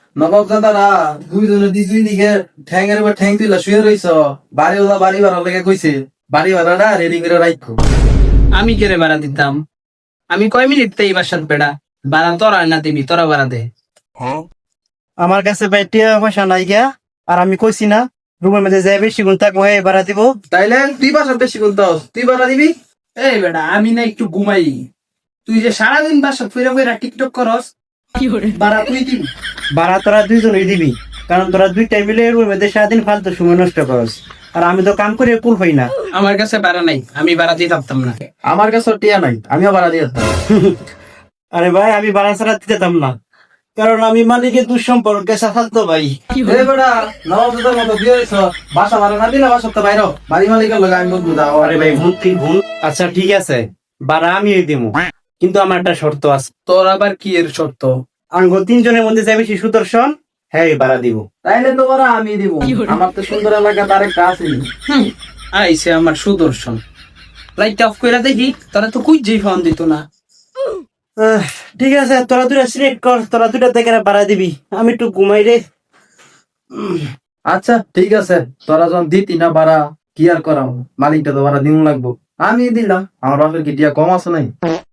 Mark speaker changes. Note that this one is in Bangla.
Speaker 1: নবাব দাদারা দুইজনে দুই দিকে ঠ্যাংের উপর ঠ্যাং তুইলা শুয়ে রইছ। বাড়ি ভাড়া লেগে কইছে বাড়ি ভাড়াটা রেডি করে রাখো।
Speaker 2: আমি কেড়ে ভাড়া দিতাম? আমি কয় মিনিট তাই বাসাত বেড়া ভাড়া তোরা না দিবি, তোরা ভাড়া দে।
Speaker 3: আমার কাছে ভাই টিয়া পয়সা নাই গিয়া, আর আমি কইছি না রুমের মধ্যে যাই বেশি গুণ থাকবো এই ভাড়া দিব।
Speaker 1: তাইলে তুই বাসার বেশি গুনতাস, তুই ভাড়া দিবি।
Speaker 2: এই বেটা আমি না একটু ঘুমাই, তুই যে সারাদিন বাসা ফিরে ফিরে টিকটক করস, ভাড়া তুই দিবি।
Speaker 3: ভাড়া তোরা দুইজনই দিবি, কারণ তোরা দুইটাই মিলে রুমের মধ্যে সারাদিন ফালতু সময় নষ্ট করস, আর আমি তো কাম করে কুল হই না।
Speaker 2: আমার কাছে ভাড়া নাই, আমি ভাড়া দিয়ে থাকতাম না।
Speaker 1: আমার কাছে টিয়া নাই, আমিও ভাড়া দিয়ে দিতাম।
Speaker 3: আরে ভাই আমি ভাড়া ছাড়া দিতাম না, কারণ আমি মালিকের দুঃসম্পর্কে সাফালতো ভাই।
Speaker 1: এই বেটা নবাব দাদার মতো বিয়ে হইছ, বাসা ভাড়া না দিলে বাসার তো বাইর হ। বাড়ি মালিকের লগে আমি বলবো যাও।
Speaker 3: আরে ভাই ভুল তুই ভুল। আচ্ছা ঠিক আছে, ভাড়া আমি দিব, কিন্তু আমার একটা শর্ত আছে।
Speaker 2: তোর আবার কি এর শর্ত?
Speaker 3: আঙ্গ তিনজনের মধ্যে যাই বেশি সুদর্শন, হ্যাঁ ভাড়া দিব।
Speaker 1: তাইলে তো ভাড়া আমি দিব, আমার তো সুন্দর এলাকা তার একটা আছে।
Speaker 2: আইসে আমার সুদর্শন, লাইট অফ করে দেখি, তোরা তো কুই যেই ফোন দিত না।
Speaker 3: ঠিক আছে, তোরা দুটা সিলেক্ট কর, তোরা দুটা দেখে ভাড়া দিবি, আমি একটু ঘুমাই রে।
Speaker 1: আচ্ছা ঠিক আছে, তোরা যখন দিতি না ভাড়া কি আর করাম, মালিকটা তো ভাড়া দিন লাগবো। আমি দিলাম, আমার বাপের কি টিয়া কম আছে নাই।